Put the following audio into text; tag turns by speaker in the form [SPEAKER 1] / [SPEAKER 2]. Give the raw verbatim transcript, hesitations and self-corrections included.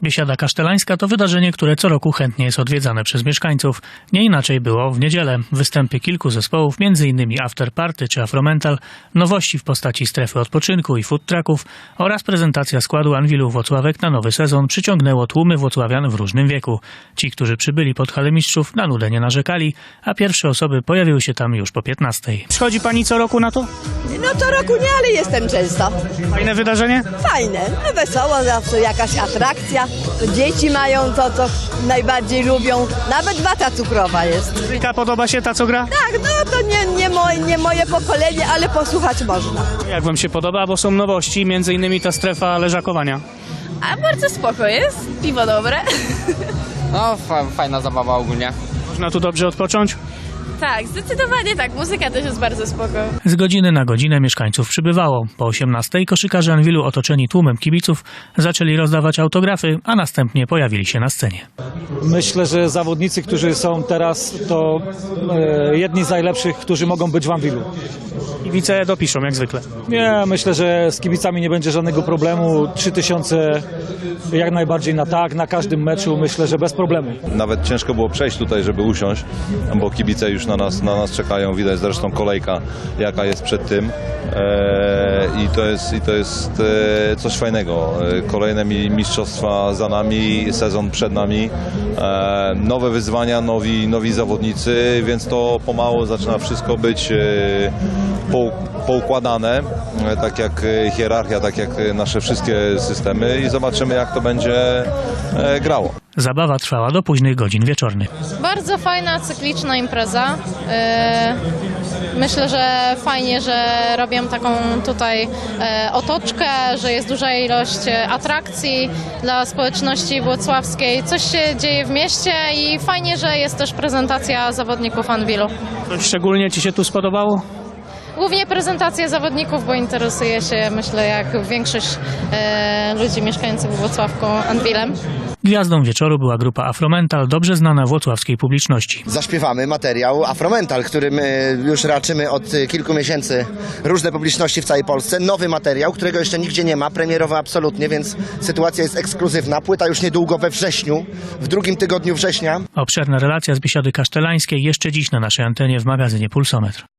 [SPEAKER 1] Biesiada Kasztelańska to wydarzenie, które co roku chętnie jest odwiedzane przez mieszkańców. Nie inaczej było w niedzielę. Występy kilku zespołów, m.in. Afterparty czy Afromental, nowości w postaci strefy odpoczynku i food trucków oraz prezentacja składu Anwilu Włocławek na nowy sezon przyciągnęło tłumy włocławian w różnym wieku. Ci, którzy przybyli pod halę mistrzów, na nudę nie narzekali, a pierwsze osoby pojawiły się tam już po piętnastej.
[SPEAKER 2] Chodzi pani co roku na to?
[SPEAKER 3] No co roku nie, ale jestem często.
[SPEAKER 2] Fajne wydarzenie?
[SPEAKER 3] Fajne, no wesoło, zawsze jakaś atrakcja. Dzieci mają to, co najbardziej lubią. Nawet wata cukrowa jest.
[SPEAKER 2] Muzyka podoba się ta, co gra?
[SPEAKER 3] Tak, no to nie, nie, moje, nie moje pokolenie, ale posłuchać można.
[SPEAKER 2] Jak wam się podoba, bo są nowości, między innymi ta strefa leżakowania.
[SPEAKER 4] A bardzo spoko jest, piwo dobre.
[SPEAKER 5] No, fa fajna zabawa ogólnie.
[SPEAKER 2] Można tu dobrze odpocząć?
[SPEAKER 4] Tak, zdecydowanie tak, muzyka też jest bardzo spoko.
[SPEAKER 1] Z godziny na godzinę mieszkańców przybywało. Po osiemnastej koszykarze Anwilu otoczeni tłumem kibiców zaczęli rozdawać autografy, a następnie pojawili się na scenie.
[SPEAKER 6] Myślę, że zawodnicy, którzy są teraz, to e, jedni z najlepszych, którzy mogą być w Anwilu.
[SPEAKER 2] Kibice dopiszą, jak zwykle.
[SPEAKER 6] Nie, myślę, że z kibicami nie będzie żadnego problemu. Trzy tysiące jak najbardziej na tak, na każdym meczu, myślę, że bez problemu.
[SPEAKER 7] Nawet ciężko było przejść tutaj, żeby usiąść, bo kibice już na nas, na nas czekają. Widać zresztą kolejka, jaka jest przed tym. Eee, I to jest, i to jest e, coś fajnego. E, kolejne mi, mistrzostwa za nami, sezon przed nami. E, nowe wyzwania, nowi, nowi zawodnicy, więc to pomału zaczyna wszystko być e, po, poukładane, e, tak jak hierarchia, tak jak nasze wszystkie systemy i zobaczymy, jak to będzie e, grało.
[SPEAKER 1] Zabawa trwała do późnych godzin wieczornych.
[SPEAKER 8] Bardzo fajna, cykliczna impreza. Yy, myślę, że fajnie, że robią taką tutaj e, otoczkę, że jest duża ilość atrakcji dla społeczności włocławskiej. Coś się dzieje w mieście i fajnie, że jest też prezentacja zawodników Anwilu.
[SPEAKER 2] Coś szczególnie ci się tu spodobało?
[SPEAKER 8] Głównie prezentacja zawodników, bo interesuje się, myślę, jak większość e, ludzi mieszkających w Włocławku Anwilem.
[SPEAKER 1] Gwiazdą wieczoru była grupa Afromental, dobrze znana włocławskiej publiczności.
[SPEAKER 9] Zaśpiewamy materiał Afromental, który my już raczymy od kilku miesięcy różne publiczności w całej Polsce. Nowy materiał, którego jeszcze nigdzie nie ma, premierowy absolutnie, więc sytuacja jest ekskluzywna. Płyta już niedługo we wrześniu, w drugim tygodniu września.
[SPEAKER 1] Obszerna relacja z Biesiady Kasztelańskiej jeszcze dziś na naszej antenie w magazynie Pulsometr.